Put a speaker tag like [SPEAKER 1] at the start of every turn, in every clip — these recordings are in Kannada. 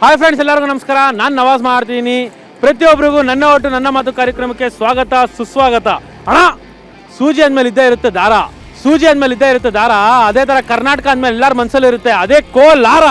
[SPEAKER 1] ಹಾಯ್ ಫ್ರೆಂಡ್ಸ್, ಎಲ್ಲರಿಗೂ ನಮಸ್ಕಾರ. ನಾನು ನವಾಜ್ ಮಾಡ್ತೀನಿ. ಪ್ರತಿಯೊಬ್ಬರಿಗೂ ನನ್ನ ಒಟ್ಟು ನನ್ನ ಮಾತು ಕಾರ್ಯಕ್ರಮಕ್ಕೆ ಸ್ವಾಗತ ಸುಸ್ವಾಗತ. ಅಣ್ಣ, ಸೂಜಿ ಅಂದಮೇಲೆ ಇದ್ದೇ ಇರುತ್ತೆ ದಾರ, ಸೂಜಿ ಅಂದಮೇಲೆ ಇದ್ದೇ ಇರುತ್ತೆ ದಾರ. ಅದೇ ಥರ ಕರ್ನಾಟಕ ಅಂದಮೇಲೆ ಎಲ್ಲರ ಮನಸ್ಸಲ್ಲಿ ಇರುತ್ತೆ ಅದೇ ಕೋಲಾರ.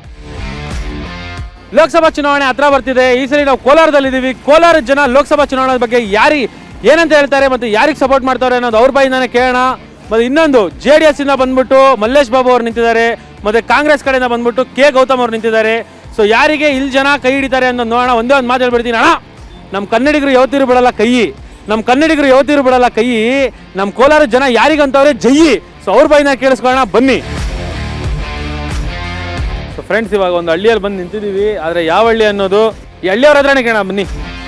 [SPEAKER 1] ಲೋಕಸಭಾ ಚುನಾವಣೆ ಹತ್ರ ಬರ್ತಿದೆ. ಈ ಸಲ ನಾವು ಕೋಲಾರದಲ್ಲಿದ್ದೀವಿ. ಕೋಲಾರದ ಜನ ಲೋಕಸಭಾ ಚುನಾವಣೆ ಬಗ್ಗೆ ಏನಂತ ಹೇಳ್ತಾರೆ ಮತ್ತು ಯಾರಿಗೆ ಸಪೋರ್ಟ್ ಮಾಡ್ತಾರೆ ಅನ್ನೋದು ಅವ್ರ ಬಾಯಿಂದಾನೆ ಕೇಳೋಣ. ಮತ್ತು ಇನ್ನೊಂದು JDS ಇಂದ ಬಂದ್ಬಿಟ್ಟು ಮಲ್ಲೇಶ್ ಬಾಬು ಅವ್ರು ನಿಂತಿದ್ದಾರೆ, ಮತ್ತು ಕಾಂಗ್ರೆಸ್ ಕಡೆಯಿಂದ ಬಂದ್ಬಿಟ್ಟು ಗೌತಮ್ ಅವ್ರು ನಿಂತಿದ್ದಾರೆ. ಸೊ ಯಾರಿಗೆ ಇಲ್ಲಿ ಜನ ಕೈ ಹಿಡಿತಾರೆ ಅನ್ನೋದು ನೋಡೋಣ. ಒಂದೇ ಒಂದು ಮಾತು ಹೇಳ್ಬಿಡ್ತೀನಿ ಅಣ್ಣ, ನಮ್ಮ ಕನ್ನಡಿಗರು ಯಾವತ್ತಿರು ಬಿಡಲ್ಲ ಕೈ, ನಮ್ಮ ಕನ್ನಡಿಗರು ಯಾವತ್ತಿರು ಬಿಡಲ್ಲ ಕೈ. ನಮ್ಮ ಕೋಲಾರ ಜನ ಯಾರಿಗಂತವ್ರೆ ಜೈ. ಸೊ ಅವ್ರ ಬಾಯಿನ ಕೇಳಿಸ್ಕೊಳ್ಳೋಣ ಬನ್ನಿ. ಸೊ ಫ್ರೆಂಡ್ಸ್, ಇವಾಗ ಒಂದು ಹಳ್ಳಿಯಲ್ಲಿ ಬಂದು ನಿಂತಿದ್ದೀವಿ. ಆದರೆ ಯಾವ ಹಳ್ಳಿ ಅನ್ನೋದು ಈ ಹಳ್ಳಿಯವ್ರ ಹತ್ರನೇ ಕೇಳೋಣ ಬನ್ನಿ.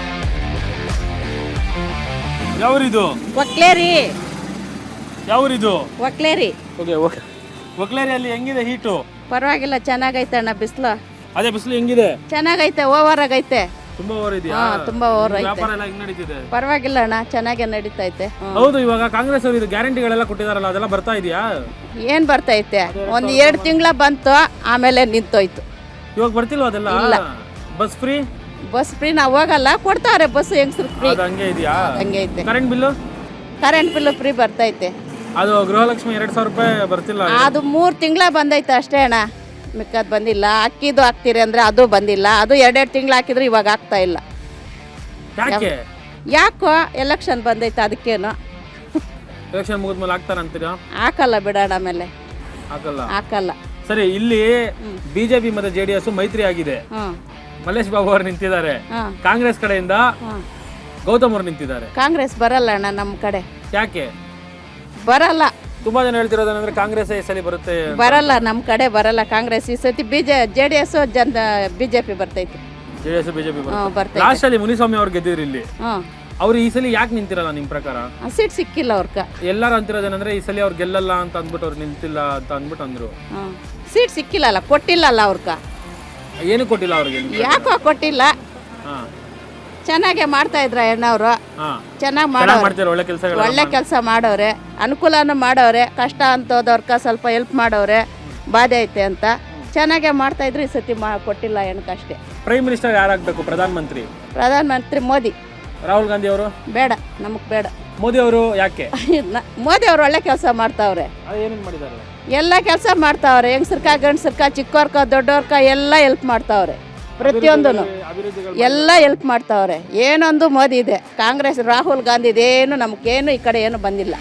[SPEAKER 1] ಯಾವ್ರಿದು?
[SPEAKER 2] ಒಕ್ಲೇರಿ.
[SPEAKER 1] ಯಾವ್ರಿದು?
[SPEAKER 2] ಒಕ್ಲೇರಿ.
[SPEAKER 1] ಓಕೆ, ಒಕ್ಲೇರಿಯಲ್ಲಿ ಹೆಂಗಿದೆ ಹೀಟು?
[SPEAKER 2] ಪರವಾಗಿಲ್ಲ, ಚೆನ್ನಾಗೈತೆ ಅಣ್ಣ. ಬಿಸಿಲು
[SPEAKER 1] ಅದೇ ಬಿಸಿಲು ಹೆಂಗಿದೆ?
[SPEAKER 2] ಚೆನ್ನಾಗೈತೆ, ಓವರ್ ಆಗೈತೆ.
[SPEAKER 1] ತುಂಬಾ ಓವರ್ ಇದೆಯಾ?
[SPEAKER 2] ತುಂಬಾ ಓವರ್ ಐತೆ.
[SPEAKER 1] ವ್ಯಾಪಾರ ಎಲ್ಲ ಹೆಂಗ್ ನಡೀತಿದೆ?
[SPEAKER 2] ಪರವಾಗಿಲ್ಲ ಅಣ್ಣ, ಚೆನ್ನಾಗೆ ನಡೀತೈತೆ.
[SPEAKER 1] ಹೌದು, ಇವಾಗ ಕಾಂಗ್ರೆಸ್ ಅವರು ಇದು ಗ್ಯಾರಂಟಿಗಳೆಲ್ಲ ಕೊಟ್ಟಿದಾರಲ್ಲ, ಅದೆಲ್ಲ ಬರ್ತಾ ಇದೆಯಾ?
[SPEAKER 2] ಏನ್ ಬರ್ತೈತೆ? ಒಂದ್ 2 ತಿಂಗಳ ಬಂತು, ಆಮೇಲೆ ನಿಂತೋಯ್ತು.
[SPEAKER 1] ಇವಾಗ ಬರ್ತಿಲ್ವಾ ಅದೆಲ್ಲ? Bus free?
[SPEAKER 2] ಬಸ್ ಫ್ರೀ ನಾವು ಹೋಗಲ್ಲ, ಕೊಡ್ತಾವ್ರೆ ಬಸ್ ಹೆಂಗ್ಸ್ರು ಫ್ರೀ.
[SPEAKER 1] ಅದು ಹಂಗೆ ಇದೆಯಾ?
[SPEAKER 2] ಹಂಗೆ ಐತೆ.
[SPEAKER 1] Current bill?
[SPEAKER 2] Current bill free ಬರ್ತೈತೆ.
[SPEAKER 1] ಅದು ಗೃಹಲಕ್ಷ್ಮಿ 2000 ರೂಪಾಯಿ ಬರ್ತಿಲ್ಲ?
[SPEAKER 2] ಅದು 3 ತಿಂಗಳ ಬಂದೈತೆ ಅಷ್ಟೇ ಅಣ್ಣ, ಮಿಕ್ಕದ್ ಬಂದಿಲ್ಲ. ಅಕ್ಕಿದು ಹಾಕ್ತೀರಿ ಅಂದ್ರೆ ಅದು ಬಂದಿಲ್ಲ. ಅದು 2 ತಿಂಗಳು ಹಾಕಿದ್ರೆ ಇವಾಗ ಆಗ್ತಾ ಇಲ್ಲ.
[SPEAKER 1] ಯಾಕೆ?
[SPEAKER 2] ಯಾಕೋ ಎಲೆಕ್ಷನ್ ಬಂದೈತೆ, ಅದಕ್ಕೇನು.
[SPEAKER 1] ಎಲೆಕ್ಷನ್ ಮುಗಿದ್ಮೇಲೆ ಹಾಕ್ತಾರಂತೀರಾ?
[SPEAKER 2] ಹಾಕಲ್ಲ ಬಿಡೋಣ, ಆಮೇಲೆ ಹಾಕಲ್ಲ.
[SPEAKER 1] ಸರಿ, ಇಲ್ಲಿ ಬಿಜೆಪಿ ಮತ್ತೆ JDS ಮೈತ್ರಿ ಆಗಿದೆ. ಮಲ್ಲೇಶ್ ಬಾಬು ಅವರು ನಿಂತಿದ್ದಾರೆ. ಕಾಂಗ್ರೆಸ್ ಕಡೆಯಿಂದ ಗೌತಮ್ ಅವರು ನಿಂತಿದ್ದಾರೆ.
[SPEAKER 2] ಕಾಂಗ್ರೆಸ್ ಬರಲ್ಲ ಅಣ್ಣ ನಮ್ಮ ಕಡೆ.
[SPEAKER 1] ಯಾಕೆ
[SPEAKER 2] ಬರಲ್ಲ?
[SPEAKER 1] ತುಂಬಾ ಜನ ಹೇಳ್ತಿರೋದಂದ್ರೆ ಕಾಂಗ್ರೆಸ್ ಈ ಸಲ ಬರುತ್ತೆ.
[SPEAKER 2] ಬರಲ್ಲ, ನಮ್ಮ ಕಡೆ ಬರಲ್ಲ ಕಾಂಗ್ರೆಸ್. ಈ ಸತಿ JDS ಬಿಜೆಪಿ ಬರ್ತೈತಿ.
[SPEAKER 1] JDS ಬಿಜೆಪಿ
[SPEAKER 2] ಬರ್ತೈತಿ.
[SPEAKER 1] ಲಾಸ್ಟ್ ಅಲ್ಲಿ ಮುನಿಸ್ವಾಮಿ ಅವ್ರು ಗೆದ್ದಿದ್ರು ಇಲ್ಲಿ. ಅವ್ರು ಈ ಸಲ ಯಾಕೆ ನಿಂತಿರಲ್ಲ ನಿಮ್ ಪ್ರಕಾರ?
[SPEAKER 2] ಸೀಟ್ ಸಿಕ್ಕಿಲ್ಲ ಅವ್ರಕ.
[SPEAKER 1] ಎಲ್ಲರೂ ಅಂತಿರೋದೇನಂದ್ರೆ ಈ ಸಲ ಅವ್ರು ಗೆಲ್ಲಲ್ಲ ಅಂತ ಅಂದ್ಬಿಟ್ಟು ಅವ್ರು ನಿಂತಿಲ್ಲ ಅಂತ ಅಂದ್ಬಿಟ್ಟು ಅಂದ್ರು.
[SPEAKER 2] ಸೀಟ್ ಸಿಕ್ಕಿಲ್ಲಲ್ಲ, ಕೊಟ್ಟಿಲ್ಲಲ್ಲ ಅವ್ರಕ.
[SPEAKER 1] ಏನು ಕೊಟ್ಟಿಲ್ಲ ಅವ್ರಿಗೆ?
[SPEAKER 2] ಯಾಕೋ ಕೊಟ್ಟಿಲ್ಲ. ಚೆನ್ನಾಗೆ ಮಾಡ್ತಾ ಇದ್ರ ಅಣ್ಣವ್ರು, ಚೆನ್ನಾಗಿ ಮಾಡೋರು, ಒಳ್ಳೆ ಕೆಲಸ ಮಾಡೋರೆ, ಅನುಕೂಲನೂ ಮಾಡೋರೆ. ಕಷ್ಟ ಅಂತೋದವ್ರಕ ಸ್ವಲ್ಪ ಹೆಲ್ಪ್ ಮಾಡೋರೆ, ಬಾಧೆ ಐತೆ ಅಂತ ಚೆನ್ನಾಗೆ ಮಾಡ್ತಾ ಇದ್ರು. ಈ ಸತಿ ಕೊಟ್ಟಿಲ್ಲ ಹೆಣ್ಕಷ್ಟೇ.
[SPEAKER 1] Prime minister ಯಾರಾಗಬೇಕು? ಪ್ರಧಾನಮಂತ್ರಿ
[SPEAKER 2] ಮೋದಿ.
[SPEAKER 1] ರಾಹುಲ್ ಗಾಂಧಿ ಅವರು ಬೇಡ,
[SPEAKER 2] ನಮಗ್ ಬೇಡ.
[SPEAKER 1] ಮೋದಿ ಅವರು ಯಾಕೆ?
[SPEAKER 2] ಮೋದಿ ಅವರು ಒಳ್ಳೆ ಕೆಲಸ ಮಾಡ್ತಾವ್ರೆ.
[SPEAKER 1] ಏನೇನು ಮಾಡಿದ್ದಾರೆ?
[SPEAKER 2] ಎಲ್ಲ ಕೆಲಸ ಮಾಡ್ತಾವ್ರೆ. ಹೆಂಗಸರ್ಕ ಗಂಡಸರ್ಕ ಚಿಕ್ಕವ್ರಕ ದೊಡ್ಡವ್ರಕ ಎಲ್ಲ ಹೆಲ್ಪ್ ಮಾಡ್ತಾವ್ರೆ. ಪ್ರತಿಯೊಂದು ಎಲ್ಲ ಹೆಲ್ಪ್ ಮಾಡ್ತಾವ್ರೆ. ಏನೊಂದು ಮೋದಿ ಇದೆ. ಕಾಂಗ್ರೆಸ್ ರಾಹುಲ್ ಗಾಂಧಿ ಇದೇನು ನಮಗೇನು ಈ ಕಡೆ ಏನು ಬಂದಿಲ್ಲ.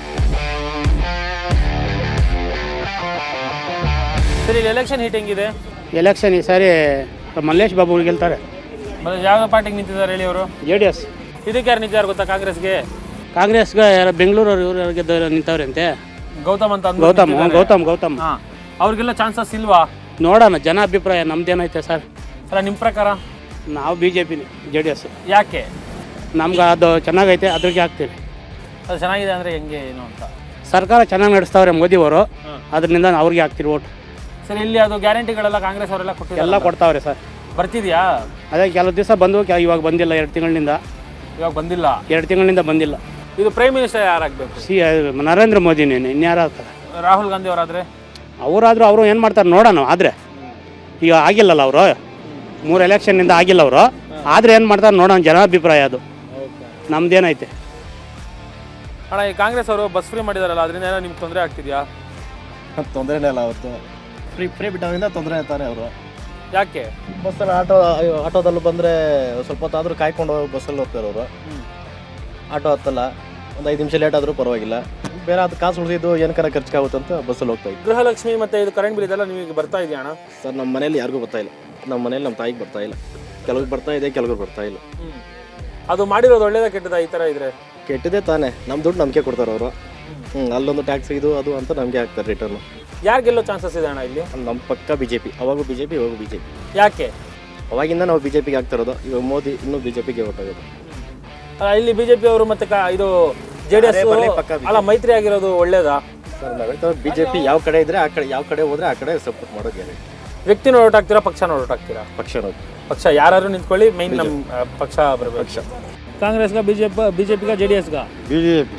[SPEAKER 1] ಸರಿ, ಎಲೆಕ್ಷನ್ ಹೀಟ್ ಹೆಂಗಿದೆ?
[SPEAKER 3] ಎಲೆಕ್ಷನ್ ಈ ಸಾರಿ ಮಲ್ಲೇಶ್ ಬಾಬು ಗೆಲ್ತಾರೆ.
[SPEAKER 1] ಯಾವ ಪಾರ್ಟಿಗೆ ನಿಂತಿದ್ದಾರೆ ಹೇಳಿ ಅವರು?
[SPEAKER 3] JDS.
[SPEAKER 1] ಇದಕ್ಕೆ ಯಾರು ನಿಂತಿದ್ದಾರೆ ಗೊತ್ತಾ?
[SPEAKER 3] ಕಾಂಗ್ರೆಸ್ಗೆ ಯಾರು ಬೆಂಗಳೂರು ಇವರು ಗೆದ್ದವ್ರು ನಿಂತವ್ರಂತೆ.
[SPEAKER 1] ಗೌತಮ್ ಅಂತ.
[SPEAKER 3] ಗೌತಮ್
[SPEAKER 1] ಅವ್ರಿಗೆಲ್ಲ ಚಾನ್ಸಸ್ ಇಲ್ವಾ?
[SPEAKER 3] ನೋಡೋಣ, ಜನ ಅಭಿಪ್ರಾಯ. ನಮ್ದೇನೈತೆ ಸರ್?
[SPEAKER 1] ಅಲ್ಲ, ನಿಮ್ಮ ಪ್ರಕಾರ?
[SPEAKER 3] ನಾವು BJP JDS.
[SPEAKER 1] ಯಾಕೆ?
[SPEAKER 3] ನಮ್ಗೆ ಅದು ಚೆನ್ನಾಗೈತೆ, ಅದ್ರಿಗೆ ಹಾಕ್ತೀವಿ.
[SPEAKER 1] ಅದು ಚೆನ್ನಾಗಿದೆ ಅಂದರೆ ಹೆಂಗೆ ಏನು ಅಂತ?
[SPEAKER 3] ಸರ್ಕಾರ ಚೆನ್ನಾಗಿ ನಡೆಸ್ತಾವ್ರೆ ಮೋದಿಯವರು, ಅದರಿಂದ ಅವ್ರಿಗೆ ಹಾಕ್ತೀವಿ ಓಟ್.
[SPEAKER 1] ಸರಿ, ಇಲ್ಲಿ ಅದು ಗ್ಯಾರಂಟಿಗಳೆಲ್ಲ ಕಾಂಗ್ರೆಸ್ ಅವರೆಲ್ಲ ಕೊಟ್ಟಿದ್ದಾರೆ,
[SPEAKER 3] ಎಲ್ಲ ಕೊಡ್ತಾವ್ರೆ ಸರ್.
[SPEAKER 1] ಬರ್ತಿದ್ಯಾ?
[SPEAKER 3] ಅದೇ ಕೆಲವು ದಿವಸ ಬಂದು ಇವಾಗ ಬಂದಿಲ್ಲ. 2 ತಿಂಗಳಿಂದ.
[SPEAKER 1] ಇವಾಗ ಬಂದಿಲ್ಲ?
[SPEAKER 3] 2 ತಿಂಗಳಿಂದ ಬಂದಿಲ್ಲ.
[SPEAKER 1] ಇದು ಪ್ರೈಮ್ ಮಿನಿಸ್ಟರ್ ಯಾರಾಗಬೇಕು?
[SPEAKER 3] ನರೇಂದ್ರ ಮೋದಿನೇ. ಇನ್ಯಾರು ಆಗ್ತಾರೆ?
[SPEAKER 1] ರಾಹುಲ್ ಗಾಂಧಿ ಅವರಾದರೆ? ಅವರಾದರೂ
[SPEAKER 3] ಅವರು ಏನು ಮಾಡ್ತಾರೆ ನೋಡೋಣ. ಆದರೆ ಈಗ ಆಗಿಲ್ಲಲ್ಲ, ಅವರು 3 ಎಲೆಕ್ಷನ್ನಿಂದ ಆಗಿಲ್ಲ ಅವರು. ಆದರೆ ಏನು ಮಾಡ್ತಾರೆ ನೋಡೋಣ, ಜನಾಭಿಪ್ರಾಯ ಅದು. ನಮ್ದೇನೈತೆ
[SPEAKER 1] ಅಣ್ಣ, ಈ ಕಾಂಗ್ರೆಸ್ ಅವರು ಬಸ್ ಫ್ರೀ ಮಾಡಿದಾರಲ್ಲ, ಅದರಿಂದ ಏನೋ ನಿಮ್ಗೆ ತೊಂದರೆ ಆಗ್ತಿದೆಯಾ?
[SPEAKER 4] ತೊಂದರೆನೇ ಇಲ್ಲ, ಅವ್ರದ್ದು ಫ್ರೀ ಬಿಟ್ಟೋದ್ರಿಂದ ತೊಂದರೆ ಆಯ್ತಾರೆ ಅವರು.
[SPEAKER 1] ಯಾಕೆ?
[SPEAKER 4] ಬಸ್ಸಲ್ಲಿ ಆಟೋದಲ್ಲಿ ಬಂದರೆ ಸ್ವಲ್ಪ ಹೊತ್ತಾದರೂ ಕಾಯ್ಕೊಂಡು ಹೋಗಿ ಬಸ್ಸಲ್ಲಿ ಹೋಗ್ತಾರೆ ಅವರು. ಆಟೋ ಹತ್ತಲ್ಲ, ಒಂದು 5 ನಿಮಿಷ ಲೇಟ್ ಆದರೂ ಪರವಾಗಿಲ್ಲ. ಬೇರೆ ಅದು ಕಾಸು ಉಳಿದಿದ್ದು ಏನಕ್ಕಾರ ಖರ್ಚಾಗುತ್ತೆ ಅಂತ ಬಸ್ಸಲ್ಲಿ ಹೋಗ್ತಾ ಇದ್ವಿ.
[SPEAKER 1] ಗೃಹಲಕ್ಷ್ಮಿ ಮತ್ತು ಇದು ಕರೆಂಟ್ ಬಿಲ್ ಇದೆಲ್ಲ ನಿಮಗೆ ಬರ್ತಾ ಇದೆಯಾ ಅಣ್ಣ?
[SPEAKER 4] ಸರ್, ನಮ್ಮ ಮನೇಲಿ ಯಾರಿಗೂ ಬರ್ತಾ ಇಲ್ಲ. ನಮ್ಮ ಮನೇಲಿ ನಮ್ಮ ತಾಯಿಗೆ ಬರ್ತಾ ಇಲ್ಲ. ಕೆಲವ್ರಿಗೆ ಬರ್ತಾ ಇದೆ, ಕೆಲವ್ರಿಗೆ ಬರ್ತಾ ಇಲ್ಲ.
[SPEAKER 1] ಅದು ಮಾಡಿರೋದು ಒಳ್ಳೇದ ಕೆಟ್ಟದ? ಈ ಥರ ಇದ್ರೆ
[SPEAKER 4] ಕೆಟ್ಟದೇ ತಾನೇ. ನಮ್ಮ ದುಡ್ಡು ನಮಗೆ ಕೊಡ್ತಾರೆ ಅವರು. ಅಲ್ಲೊಂದು ಟ್ಯಾಕ್ಸ್ ಇದು ಅದು ಅಂತ ನಮಗೆ ಹಾಕ್ತಾರೆ ರಿಟರ್ನು.
[SPEAKER 1] ಯಾರು ಗೆಲ್ಲೋ ಚಾನ್ಸಸ್ ಇದೆ ಅಣ್ಣ ಇಲ್ಲಿ?
[SPEAKER 4] ನಮ್ಮ ಪಕ್ಕ BJP. ಅವಾಗೂ BJP, ಇವಾಗೂ BJP.
[SPEAKER 1] ಯಾಕೆ?
[SPEAKER 4] ಅವಾಗಿಂದ ನಾವು BJPಗೆ ಆಗ್ತಿರೋದು. ಇವಾಗ ಮೋದಿ ಇನ್ನೂ BJPಗೆ ಹೊರಟೋಗೋದು.
[SPEAKER 1] ಇಲ್ಲಿ BJP ಅವರು ಮತ್ತೆ ಇದು JDS ಅಲ್ಲ ಮೈತ್ರಿ ಆಗಿರೋದು ಒಳ್ಳೇದಾ?
[SPEAKER 4] ಸರ್, ನಾವು ಹೇಳ್ತಾರೆ BJP ಯಾವ ಕಡೆ ಇದ್ರೆ ಆ ಕಡೆ, ಯಾವ ಕಡೆ ಹೋದ್ರೆ ಆ ಕಡೆ ಸಪೋರ್ಟ್ ಮಾಡೋದು ಗ್ಯಾರಂಟಿ.
[SPEAKER 1] ವ್ಯಕ್ತಿ ನೋಟ್ ಹಾಕ್ತೀರಾ, ಪಕ್ಷ ನೋಟ್ ಹಾಕ್ತೀರಾ? ಪಕ್ಷ ಯಾರು ನಿಂತ್ಕೊಳ್ಳಿ, ಮೈನ್ ನಮ್ಮ ಪಕ್ಷ ಬರಬೇಕು. ಪಕ್ಷ ಕಾಂಗ್ರೆಸ್ಗ ಬಿಜೆಪಿಗ JDSಗ?
[SPEAKER 5] BJP.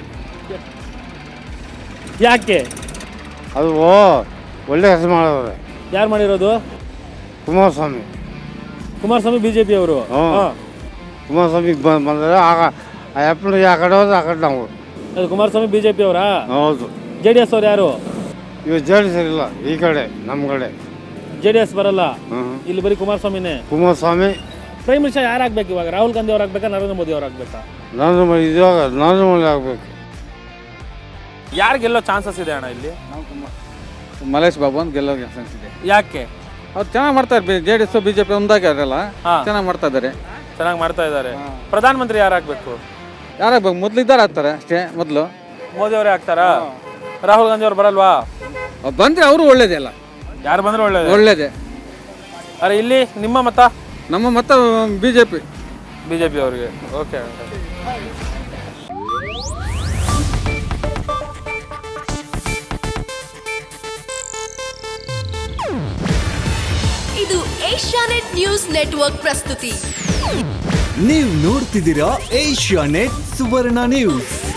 [SPEAKER 1] ಯಾಕೆ?
[SPEAKER 5] ಅದು ಒಳ್ಳೆ ಕೆಲಸ ಮಾಡೋದು.
[SPEAKER 1] ಯಾರು ಮಾಡಿರೋದು?
[SPEAKER 5] ಕುಮಾರಸ್ವಾಮಿ.
[SPEAKER 1] ಕುಮಾರಸ್ವಾಮಿ ಬಿಜೆಪಿ ಅವರು.
[SPEAKER 5] ಕುಮಾರಸ್ವಾಮಿ ಬಂದರೆ ಆಗ ಆ ಕಡೆ ಹೋದ್ರೆ ಆ ಕಡೆ ನಾವು.
[SPEAKER 1] ಅದು ಕುಮಾರಸ್ವಾಮಿ ಬಿಜೆಪಿ ಅವರಾ?
[SPEAKER 5] ಹೌದು.
[SPEAKER 1] JDS ಅವ್ರು ಯಾರು?
[SPEAKER 5] ಇವು ಜೆಡಿಎಸ್ ಇಲ್ಲ, ಈ ಕಡೆ ನಮ್ಮ ಕಡೆ
[SPEAKER 1] JDS ಬರಲ್ಲ, ಇಲ್ಲಿ ಬರೀ ಕುಮಾರಸ್ವಾಮಿನೇ.
[SPEAKER 5] ಕುಮಾರಸ್ವಾಮಿ
[SPEAKER 1] ಪ್ರೈಮ್ ಮಿನಿಸ್ಟರ್ ಯಾರಾಗಬೇಕು ಇವಾಗ? ರಾಹುಲ್ ಗಾಂಧಿ ಅವ್ರು ಆಗ್ಬೇಕಾ, ನರೇಂದ್ರ ಮೋದಿ ಅವ್ರು ಆಗ್ಬೇಕಾ?
[SPEAKER 5] ನರೇಂದ್ರ ಮೋದಿ ಆಗಬೇಕು.
[SPEAKER 1] ಯಾರು ಗೆಲ್ಲೋ ಚಾನ್ಸಸ್ ಇದೆ ಅಣ್ಣ ಇಲ್ಲಿ?
[SPEAKER 6] ಮಲ್ಲೇಶ್ ಬಾಬು ಅಂತ ಗೆಲ್ಲೋ ಚಾನ್ಸ್ ಇದೆ.
[SPEAKER 1] ಯಾಕೆ?
[SPEAKER 6] ಅವ್ರು ಚೆನ್ನಾಗಿ ಮಾಡ್ತಾರೆ. JDS BJP ಒಂದಾಗ್ಯಾರಲ್ಲ, ಚೆನ್ನಾಗಿ ಮಾಡ್ತಾ ಇದ್ದಾರೆ.
[SPEAKER 1] ಚೆನ್ನಾಗಿ ಮಾಡ್ತಾ ಇದ್ದಾರೆ. ಪ್ರಧಾನಮಂತ್ರಿ ಯಾರಾಗಬೇಕು?
[SPEAKER 6] ಯಾರಾಗಬೇಕು? ಮೊದಲು ಇದ್ದಾರೆ ಆಗ್ತಾರೆ ಅಷ್ಟೇ. ಮೊದಲು
[SPEAKER 1] ಮೋದಿ ಅವರೇ ಆಗ್ತಾರಾ? ರಾಹುಲ್ ಗಾಂಧಿ ಅವ್ರು ಬರಲ್ವಾ?
[SPEAKER 6] ಬಂದರೆ ಅವರು ಒಳ್ಳೇದೇ ಅಲ್ಲ.
[SPEAKER 1] ಯಾರು ಬಂದ್ರೆ
[SPEAKER 6] ಒಳ್ಳೇದೇ.
[SPEAKER 1] ಅರೆ ಇಲ್ಲಿ ನಿಮ್ಮ ಮತ?
[SPEAKER 6] ನಮ್ಮ ಮತ BJP
[SPEAKER 1] ಅವರಿಗೆ. ಓಕೆ.
[SPEAKER 7] ಇದು ಏಷ್ಯಾನೆಟ್ ನ್ಯೂಸ್ ನೆಟ್ವರ್ಕ್ ಪ್ರಸ್ತುತಿ.
[SPEAKER 8] ನೀವು ನೋಡ್ತಿದ್ದೀರಾ ಏಷ್ಯಾನೆಟ್ ಸುವರ್ಣ ನ್ಯೂಸ್.